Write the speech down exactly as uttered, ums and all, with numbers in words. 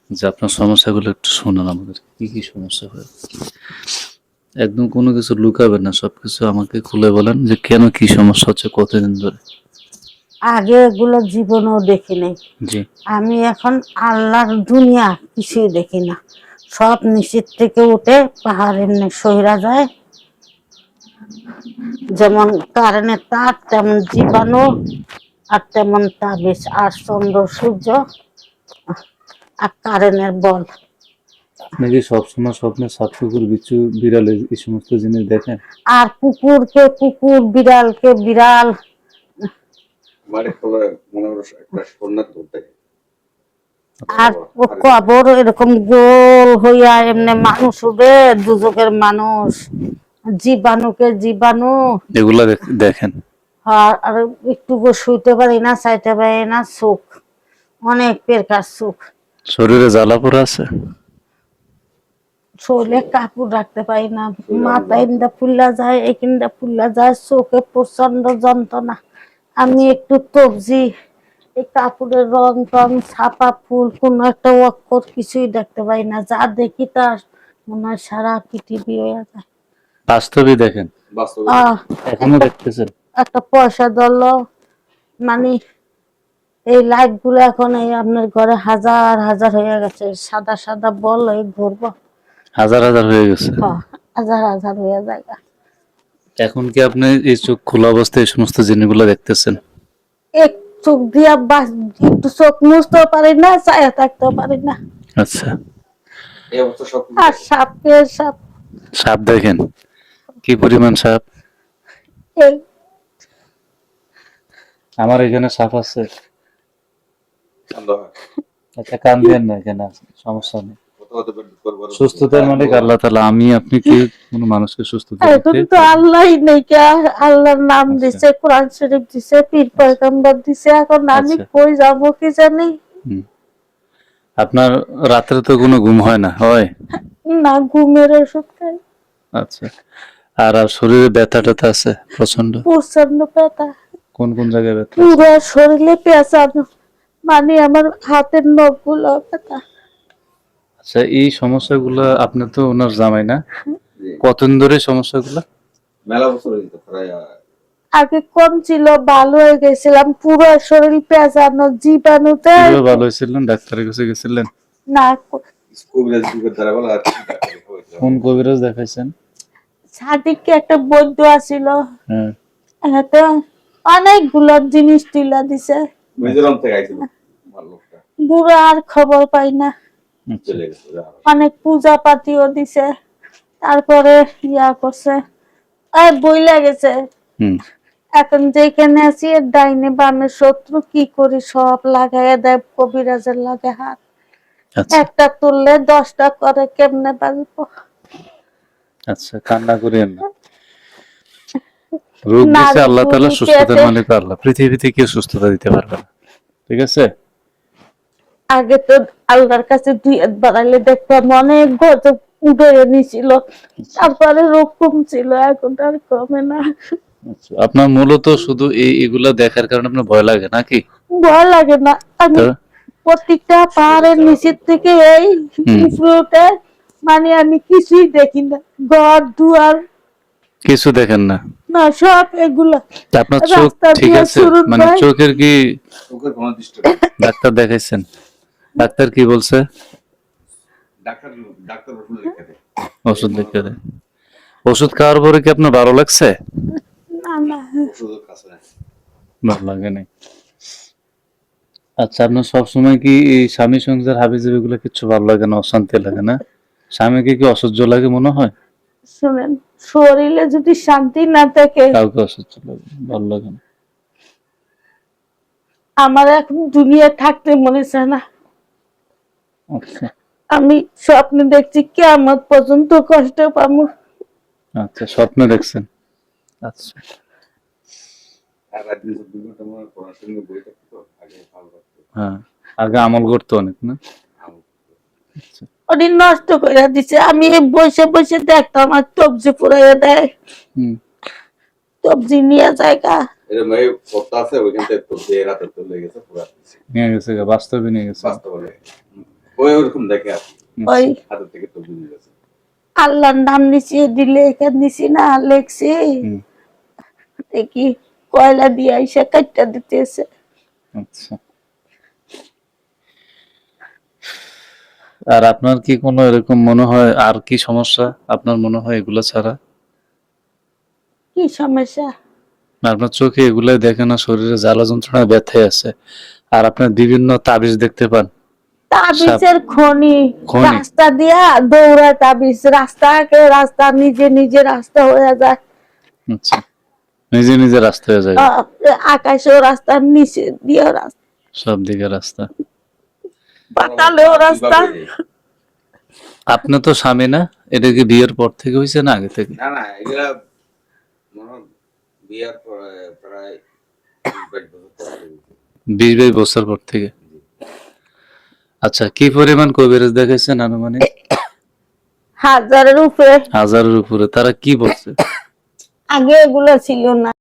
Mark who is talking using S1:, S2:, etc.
S1: যে আপনার সমস্যাগুলো একটু শোনান আমাদের, কি কি সমস্যা হয়। একদম কোনো কিছু লুকাবেন না, সবকিছু আমাকে খুলে বলেন যে কেন, কি সমস্যা হচ্ছে, কতদিন ধরে।
S2: আগে এগুলো জীবনেও দেখি নাই।
S1: জি।
S2: আমি এখন আল্লাহর দুনিয়া কিছুই দেখি না, সব নিচের থেকে উঠে পাহাড় এমনি সহিরা যায়, যেমন কারেন্টের তার তেমন জীবাণু, আর তেমন তাবিজ, আর চন্দ্র সূর্য, আর কারেন্টের বল।
S1: নাকি সবসময় স্বপ্নে সাপ, কুকুর, বিচ্ছু, বিড়াল এই সমস্ত জিনিস দেখেন?
S2: আর কুকুরকে কুকুর, বিড়ালকে বিড়াল। আর কবর এরকম গোল হইয়া এমনি মানুষ উঠে, দুজকের মানুষ, জীবাণুকে জীবাণু।
S1: এগুলা দেখেন?
S2: আর আর একটু শুইতে পারি না, চাইতে পারি না, সুখ অনেক পেরকার সুখ।
S1: শরীরে জ্বালা পোড়া আছে?
S2: শরীরে কাপড় রাখতে পারি না, মাথা ইন্দা ফুল্লা যায়, একিন্দা ফুল্লা যায়, চোখে প্রচন্ড যন্ত্রণা। আমি একটু তবজি, এই কাপড়ের রং টং, ছাপা ফুল, কোন একটা অক্ষর কিছুই দেখতে পাই না, যা দেখি তার মনে হয় সারা পৃথিবী হয়ে যায়।
S1: বাস্তবে দেখেন?
S2: আহ
S1: এখনো দেখতেছেন?
S2: একটা পয়সা ধরলো, মানে এই লাইট গুলো এখন এই আপনার ঘরে হাজার হাজার হয়ে গেছে, সাদা সাদা বল এই ঘুরবো,
S1: হাজার হাজার হয়ে গেছে।
S2: হ্যাঁ, হাজার হাজার হয়ে যায়।
S1: এখন কি আপনি এই চোখ খোলা অবস্থায় এই সমস্ত জিনিসগুলো দেখতেছেন?
S2: এক চোখ দিয়া বাস, একটু চোখ মুছতেও পারি না, চায়া থাকতেও পারি না।
S1: আচ্ছা।
S2: আর সাপকে সাপ।
S1: সাপ দেখেন? কি পরিমাণ সাপ?
S2: এই
S1: আমার এখানে সাপ আছে। আচ্ছা, কান দিয়েন না, এখানে আছে, সমস্যা নেই। সুস্থতার মালিক আল্লাহ তাআলা। আমি আপনি কি কোনো মানুষকে সুস্থতা
S2: এখন
S1: দিতে?
S2: তো আল্লাহই নেই, আল্লাহর নাম
S1: আচ্ছা।
S2: দিছে, কোরআন শরীফ দিছে, পীর পয়গম্বর দিছে, এখন আমি
S1: আচ্ছা।
S2: কই যাবো কি জানি।
S1: হুম। আপনার রাত্রে তো কোনো ঘুম হয় না? হয়
S2: না, ঘুমের ওষুধ খাই।
S1: আচ্ছা। আর আর শরীরে ব্যথা ট্যাথা আছে প্রচন্ড?
S2: প্রচন্ড ব্যথা।
S1: কোন কোন জায়গায় ব্যথা আছে?
S2: পুরো শরীরে পেঁচানো, মানে আমার হাতের নখগুলো ব্যথা।
S1: আচ্ছা, এই সমস্যাগুলো আপনি তো ওনার জামাই না, কতদিন ধরে সমস্যাগুলো?
S3: মেলা বছর হইতো প্রায়।
S2: আগে কম ছিল, ভালো হয়ে গেছিলাম, পুরো শরীর পেঁচানো, জীবাণুতে।
S1: কিভাবে ভালো হয়েছিলেন? ডাক্তারের কাছে গেছিলেন?
S2: না,
S3: কবিরাজ যুগের দ্বারা বলা আর কি ডাক্তার হইতো।
S1: কোন কবিরাজ দেখাইছেন?
S2: সাদিককে একটা বৈদ্য আছিল,
S1: হ্যাঁ।
S2: এতে অনেকগুলো জিনিস টিলা দিছে,
S3: মিজোরাম থেকে আইছিল লোকটা,
S2: বুড়ো আর খবর পাই না।
S3: চলে গেছে।
S2: অনেক পূজা পাতিও দিছে, তারপরে ইয়া করছে, এই বইলা গেছে।
S1: হুম।
S2: এখন যেখানে আছি এর ডাইনে বামে শত্রু, কি করি সব লাগাইয়া দেয় কবিরাজের লাগে হাত।
S1: আচ্ছা।
S2: একটা তুললে দশটা করে, কেমনে বাঁচবো।
S1: আচ্ছা, কান্না করিয়েন না। রোগ দিছে
S2: নারী
S1: আল্লাহ তাআলা,
S2: বুড়ি
S1: সুস্থতার
S2: পেটে।
S1: মালিক আল্লাহ। পৃথিবীতে কেউ সুস্থতা দিতে পারবে না, ঠিক আছে?
S2: আগে তো আল্লাহর কাছে দুই হাত বাড়াইলে দেখতাম অনেক গজব উঠে নিছিল, তারপরে রোগ কমছিল, এখন আর কমে না।
S1: আচ্ছা, আপনার মূলত শুধু এই এগুলা দেখার কারণে আপনার ভয় লাগে নাকি?
S2: ভয় লাগে না, আমি
S1: তো
S2: প্রত্যেকটা পাহাড়ের নিচের থেকে এই
S1: হুম।
S2: উপরে উঠে, মানে আমি কিছুই দেখি না, ঘর দুয়ার
S1: কিছু দেখেন না?
S2: না, সব এগুলা।
S1: তা আপনার চোখ
S2: রাস্তা
S1: ঠিক
S2: দিয়ে
S1: আছে?
S2: সুরুৎ
S1: মানে
S2: ভাই।
S1: চোখের কি
S3: চোখের কোনো দৃষ্টি
S1: ডাক্তার দেখাইছেন? ডাক্তার কি বলছে?
S3: ডাক্তার ডাক্তার ওষুধ লিখে দেয়।
S1: ওষুধ লিখে দেয়। ওষুধ খাওয়ার পরে কি আপনার ভালো লাগছে?
S2: না না,
S3: ওষুধের কাছে নাই।
S1: ভালো লাগে নাই। আচ্ছা, আপনার সবসময় কি এই স্বামী সংসার হাবিজাবি গুলো কিছু ভালো লাগে না, অশান্তি লাগে না? স্বামীকে কি অসহ্য লাগে মনে হয়?
S2: শুনেন, শরীরে যদি শান্তি না থাকে,
S1: কাউকে অসহ্য লাগে, ভালো লাগে না।
S2: আমার এখন দুনিয়া থাকতে মনে চায় না।
S1: আচ্ছা।
S2: আমি স্বপ্নে দেখছি কিয়ামত পর্যন্ত কষ্ট পাবো।
S1: আচ্ছা, স্বপ্ন দেখছেন? আচ্ছা।
S3: আর রাত দিন দুই ঘন্টা মনে পড়াশোনা বই থাকতো আগে ভালো লাগতো।
S1: হ্যাঁ, আগে আমল করতো অনেক না? আচ্ছা।
S2: ওটি নষ্ট করে দিছে, আমি বসে বসে দেখতাম আর তবজি পুরাইয়া দেয়,
S1: হুম।
S2: তবজি নিয়ে জায়গা।
S3: এরকম এই পড়তে আছে ওইখান থেকে তো যে রাতে চলে গেছে পুরা
S1: নিয়ে গেছে গা, বাস্তবে নিয়ে গেছে।
S3: বাস্তবে। ওই ওরকম দেখে আর কি।
S2: ওই
S3: হাতের থেকে তো বুঝে গেছে।
S2: আল্লাহর নাম নিচে দিলে এখানে নিচি না লেখছি
S1: হুম।
S2: দেখি কয়লা দিয়ে এসে কাটটা দিতেছে।
S1: আচ্ছা। আর আপনার কি কোনো এরকম মনে হয় আর কি সমস্যা আপনার মনে হয় এগুলা ছাড়া?
S2: কি সমস্যা?
S1: না, আপনার চোখে এগুলাই দেখে না, শরীরে জ্বালা যন্ত্রণা ব্যথায় আছে, আর আপনার বিভিন্ন তাবিজ দেখতে পান।
S2: তাবিজের খনি
S1: খনি।
S2: রাস্তা দিয়া দৌড়ায় তাবিজ, রাস্তাকে রাস্তা নিজে নিজে রাস্তা হয়ে যায়।
S1: আচ্ছা, নিজে নিজে রাস্তা হয়ে যায়,
S2: আহ, আকাশেও রাস্তা, নিচে দিয়েও রাস্তা,
S1: সব দিকে রাস্তা।
S2: পাতালেও রাস্তা।
S3: কিভাবে?
S1: আপনি তো স্বামী না? এটা কি বিয়ের পর থেকে হয়েছে না আগে থেকে?
S3: না না এগুলা মনে হয় বিয়ার পরে প্রায় বিশ বাইশ বছর পর হয়েছে।
S1: বিশ বাইশ বছর পর থেকে। আচ্ছা, কি পরিমাণ কবিরাজ দেখাইছেন আনুমানিক?
S2: হাজারের উপরে।
S1: হাজারের উপরে। তারা কি বলছে?
S2: আগে এগুলো ছিল না।